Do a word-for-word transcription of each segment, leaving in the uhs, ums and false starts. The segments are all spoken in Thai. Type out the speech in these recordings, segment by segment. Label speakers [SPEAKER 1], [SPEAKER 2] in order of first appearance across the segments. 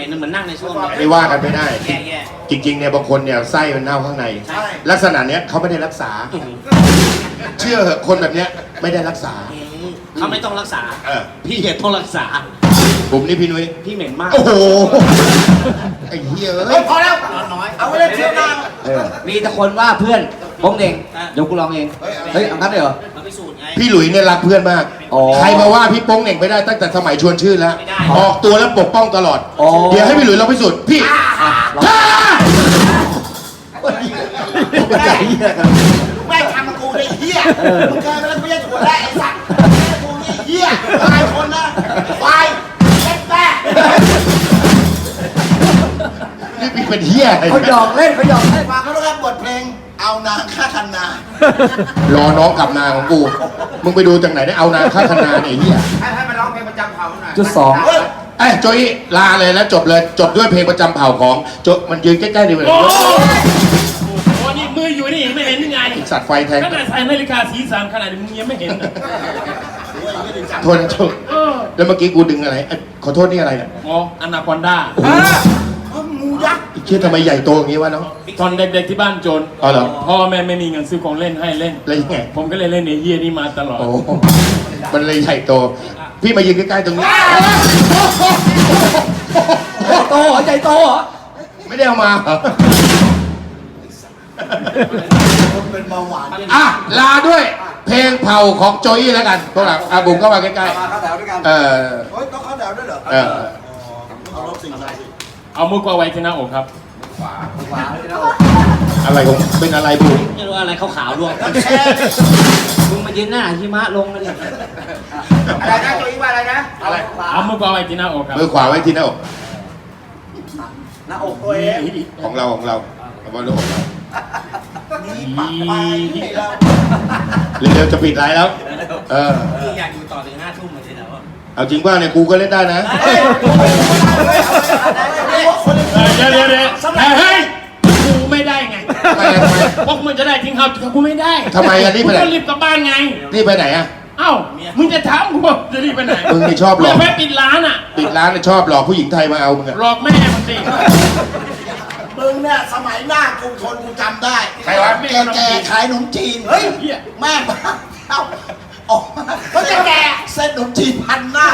[SPEAKER 1] ม็นๆเหมือนนั่งในส้วม
[SPEAKER 2] ไม่ว่ากันไม่ได้
[SPEAKER 1] แย่แย่
[SPEAKER 2] จริงๆเนี่ยบางคนเนี่ยไส้มันเน่าข้างใน
[SPEAKER 1] ใช่
[SPEAKER 2] ลักษณะเนี้ยเขาไม่ได้รักษา เชื่อเหอะคนแบบเนี้ยไม่ได้รักษา
[SPEAKER 1] เขาไม่ต้องรักษา
[SPEAKER 2] เออ
[SPEAKER 1] พี่เห็นต้องรักษา
[SPEAKER 2] ผมนี่พี่นุ้ย
[SPEAKER 1] พี่เหม็นมาก
[SPEAKER 2] โอ้โห ไอ้เหี้ย
[SPEAKER 3] เฮ้
[SPEAKER 2] เอ้
[SPEAKER 3] ย
[SPEAKER 2] ย
[SPEAKER 3] พอแล้ว
[SPEAKER 1] น้อย
[SPEAKER 3] เอาไว้เล่นเที่ยวหน้า
[SPEAKER 2] เออ
[SPEAKER 1] มีแต่คนว่าเพื่อนโป้งเด่งเดี๋ยวกูลองเอง เฮ้ยเอางั้นเลยเหรอมาพิสูจน์ไง
[SPEAKER 2] พี่หลุยเนี่ยรักเพื่อนมาก
[SPEAKER 1] อ๋อ
[SPEAKER 2] ใครมาว่าพี่โป้งเหน่งไม่ได้ตั้งแต่สมัยชวนชื่นแล้ว
[SPEAKER 1] ไม่ได้
[SPEAKER 2] ออกตัวแล้วปกป้องตลอด
[SPEAKER 1] อ๋อ
[SPEAKER 2] เดี๋ยวให้พี่หลุยเราพิสูจน์พี่ท่า
[SPEAKER 3] แม่งทำกับกูได้เหี้ยมึงเคยมาแล้วกูไม่ใช่ถั่วแร่ไอ้สัตว์แม่กูนี่เหี้ยตายคนนะควายเล็กแม่
[SPEAKER 2] นี่พี่เป็นเหี้ยอะไร
[SPEAKER 1] เขาหยอกเล่นเขาหยอกเล่น
[SPEAKER 3] ฟังเขาแล้วครับบทเพลงเอานางฆ่าคันนาร
[SPEAKER 2] อน้องกลับนาของกู มึงไปดูจากไหนได้เอานาค่าคนาเนี่ยไอ้เหี้ย
[SPEAKER 1] จุดสอง
[SPEAKER 3] เฮ้ย
[SPEAKER 2] ไอ้ยโจยลาเลยแล้วจบเลยจบด้วยเพลงประจำเผ่าของโจมันยืนใกล้ๆดีเลย
[SPEAKER 4] โอ้โหนี่มืออยู่นี่ไม่เห็นยังไง
[SPEAKER 2] สัตว์ไฟแทง
[SPEAKER 4] ขนาดใส่นาฬิกาสีสันขนาดนี้มึงยังไม่เห็นอ่ะ
[SPEAKER 2] โทษนะโทษ
[SPEAKER 4] เออ
[SPEAKER 2] แล้วเมื่อกี้กูดึงอะไรเอ้ยขอโทษนี่อะไรเนี่ย
[SPEAKER 4] อ๋ออนาคอนด้า
[SPEAKER 3] งูยักษ์
[SPEAKER 2] ไอ้เชี่ยทำไมใหญ่โตอย่างงี้วะน้อง
[SPEAKER 4] ตอนเด็กๆที่บ้านจน
[SPEAKER 2] อ๋อเหรอ
[SPEAKER 4] พ่อแม่ไม่มีเงินซื้อของเล่นให้เล่น
[SPEAKER 2] แล้วยังไง
[SPEAKER 4] ผมก็เลยเล่นในเฮียนี่มาตลอด
[SPEAKER 2] โอ้โหมันเลยใหญ่โต พี่มายืนใกล้ๆตรงนี้
[SPEAKER 1] โตเหรอใจโตเหรอ
[SPEAKER 2] ไม่ได้เอามาเหรอ
[SPEAKER 3] คนเป็นเบาหวาน
[SPEAKER 2] อ่ะลาด้วย เพลงเผ่าของโจยแล้วกันพวกเราอ่ะบุ๋มเข้ามาใกล้
[SPEAKER 3] มาเข้าแถวด้วยกัน
[SPEAKER 2] ๆเออ
[SPEAKER 3] เฮ้ยต้องเข้าแถวด้วยเหรอ
[SPEAKER 2] เออ
[SPEAKER 3] เอารถสิ่งศักดิ์สิทธิ์
[SPEAKER 4] เอามือกวาดไว้ที่หน้าอกครับ
[SPEAKER 2] อะไรของเป็นอะไรบุ๋ม
[SPEAKER 1] ไม่รู้อะไรขาวๆด้วยมึงมายืนหน้าหิมะลงกันเลย
[SPEAKER 3] อะไรนะตัวอีว่าอะไรนะ
[SPEAKER 2] อะไร
[SPEAKER 4] เอามือกวาดไว้ที่หน้าอกครับ
[SPEAKER 2] มือขวาไว้ที่หน้าอก
[SPEAKER 3] หน้าอกตัวเอง
[SPEAKER 2] ของเราของเราเอาไว้ลูกของเรา
[SPEAKER 3] นี่ปากไปนี่เรา
[SPEAKER 2] เร็วๆจะปิดไลน์แล้ว เออ
[SPEAKER 1] พี่อยากอยู่ต่อถึงห้าทุ่มเหมือนที่แล้วอะ
[SPEAKER 2] เอาจริงว่าเนี่ยกูก็เล่นได้นะ
[SPEAKER 3] เฮ้ยไม่ว่าคนเล่น
[SPEAKER 4] เออเดี๋ยวเดี๋ยวเดี๋ยวเฮ้ยกูไม่ได้ไง
[SPEAKER 2] ทำไมทำไม
[SPEAKER 4] พวกมึงจะได้ทิ้งเขาแต่กูไม่ได้
[SPEAKER 2] ทำไมอ่ะรีบไปไหน
[SPEAKER 4] กูต้องรีบกลับบ้านไง
[SPEAKER 2] นี่ไปไหนอ่ะ
[SPEAKER 4] เอ้า มึงจะถามกูว่าจะรีบไปไหน
[SPEAKER 2] มึงนี่ชอบหลอก
[SPEAKER 4] แม่ปิดร้านอ่ะ
[SPEAKER 2] ปิดร้านเนี่ยชอบหลอกผู้หญิงไทยมาเอามึงอะ
[SPEAKER 4] หลอกแม่มันสิ
[SPEAKER 3] มึงเนี่ยสมัยหน้ากรุงทนกูจำได้
[SPEAKER 2] ใครวะ
[SPEAKER 3] แกแกขายขนมจีน เฮ้ย แม่งเอ้าออกมาเขาจะแกเส้นขนมจีนพันหน้า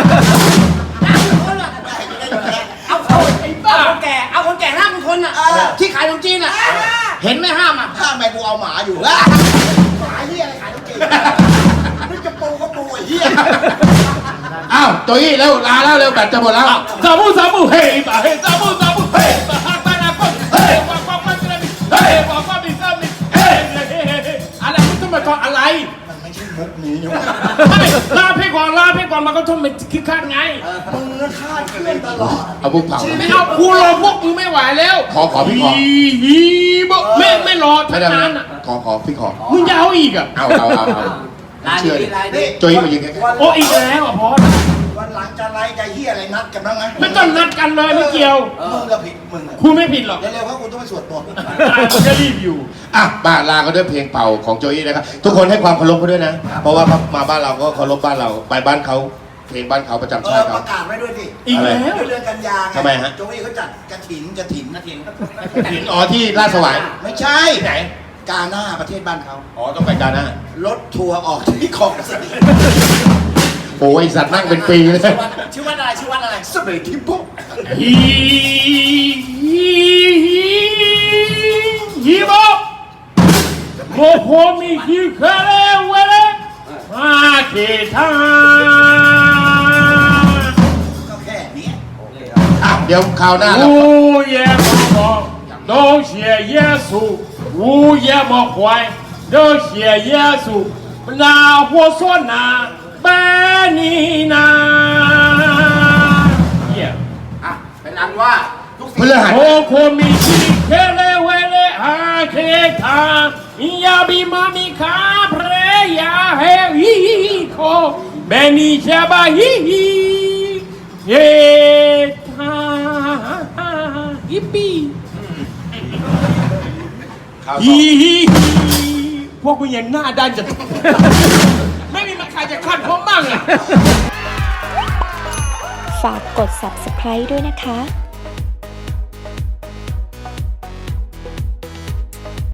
[SPEAKER 1] เอาเอาไอ้บ้าคนแก่เอาคนแก่ห้ามคนอ่ะที่ขายขนมจีนอ่ะเห็นไหมห้ามอ่ะ
[SPEAKER 3] ถ้าแม่กูเอาหมาอยู่หมาเฮียอะไรขายขนมจีนมึงจะปูก็ปูไอ้เฮีย
[SPEAKER 2] อ้าวโจยเร็วลาแล้วเร็วแบตจะหมดแล้ว
[SPEAKER 4] ซาบูซาบูเฮ้ยบ้าเฮ้ยซาบูซาบูเฮ้ยบ้าฮักบ้านาคอนเฮ้ยบ้าบ้าบ้าบ้าเฮ้ยบ้าบ้าบิซามิเฮ้ยเฮ้ยเฮ้ยเฮ้ยอะไรมึงต้องมาก่อนอะไร
[SPEAKER 3] มันไม่ใช่มุกนี้นี่
[SPEAKER 4] ไม่ลาเพก่อนลาเพก่อนมันก็ต้องเป็นคิดคาดไง
[SPEAKER 3] มึงก็คาดเคลื่อนตลอด
[SPEAKER 2] เอาบุกเผา
[SPEAKER 4] ไม่เอากูรอพวกมึงไม่ไหวแล้ว
[SPEAKER 2] ขอขอพี่ขอ
[SPEAKER 4] ฮีฮีบ่ไม่ไม่รอ
[SPEAKER 2] ไม่
[SPEAKER 4] ทั้ง
[SPEAKER 2] ได้ไม่
[SPEAKER 4] นั้น
[SPEAKER 2] ได้
[SPEAKER 4] อ่ะ
[SPEAKER 2] ขอขอพี่ขอ
[SPEAKER 4] มึงจะเอาอีกอ่ะ
[SPEAKER 2] เอาเอาเอาเอา
[SPEAKER 1] ลาย
[SPEAKER 2] เชื่อดิ
[SPEAKER 1] ดีลายดี
[SPEAKER 2] โจยมายืนใกล้
[SPEAKER 4] โอ้อีกแล้วอ่ะพอ
[SPEAKER 3] วันหลังจะไล่จะเฮียอะไรนัดกันบ้างไหม
[SPEAKER 4] ไม่ต้องนัดกันเลยไม่เกี่ยว
[SPEAKER 3] มึงก็ผิดมึง
[SPEAKER 4] คุณไม่ผิดหรอก
[SPEAKER 3] เร็วๆเพราะกูต้องไปสวดมนต์
[SPEAKER 4] มันจะรีบอยู่
[SPEAKER 2] ๆอ่ะบ้านลาก็ด้วยเพลงเป่าของโจยนะครับ ทุกคนให้ความเคารพเขาด้วยนะ เพราะว่าเขามาบ้านเราก็เคารพบ้านเรา ไปบ้านเขาเพลงบ้านเขาประจำ
[SPEAKER 3] เอ
[SPEAKER 2] ชา
[SPEAKER 3] อ
[SPEAKER 2] ติ
[SPEAKER 3] ป
[SPEAKER 2] เขา
[SPEAKER 3] ระกาศไว้ด้วยสิ
[SPEAKER 4] อีกแล้ว
[SPEAKER 3] เดือนกันยาไง
[SPEAKER 2] ทำไมฮะ
[SPEAKER 3] โจวี่เขาจัดกระถินกระถินกระถิน
[SPEAKER 2] หินอ๋อที่ราชสวาย
[SPEAKER 3] ไม่ใช่
[SPEAKER 2] ที่ไหน
[SPEAKER 3] กาหน้าประเทศบ้านเขา
[SPEAKER 2] อ๋อต้องไปกาหน้าร
[SPEAKER 3] ถทัวร์ออกที่ของสนี
[SPEAKER 2] โอ้ยสัตว์นั่งเป็นปีเลย
[SPEAKER 3] ชื่อวัดอะไรชื่อวัดอะไรสเปรทิมโป
[SPEAKER 4] ฮีฮีฮีบอโมโหมีฮิคาเลเวเลมาเกทา
[SPEAKER 3] ก็แค่เนี้ย
[SPEAKER 2] อ่ะเดี๋ยวคราวหน้าเรา
[SPEAKER 4] 无也不好，都写耶稣；无也不坏，都写耶稣。那我说那拜你那。Yeah.
[SPEAKER 3] อ่ะเป็นอันว่าทุก
[SPEAKER 2] พ
[SPEAKER 3] สิ่ง
[SPEAKER 2] ฤหัส
[SPEAKER 4] โคโคมิชิเคเลเวเลอาเคทายาบิมามิคาเพรยาเฮฮิโคเบนิชาบาฮิฮิเฮทาฮิปปี้ฮิฮิพวกกูยังหน้าด้านจะ ไม่มีใครจะคัดผมบ้างอ่ะ
[SPEAKER 5] ฝากกด ซับสไครบ์ ด้วยนะคะ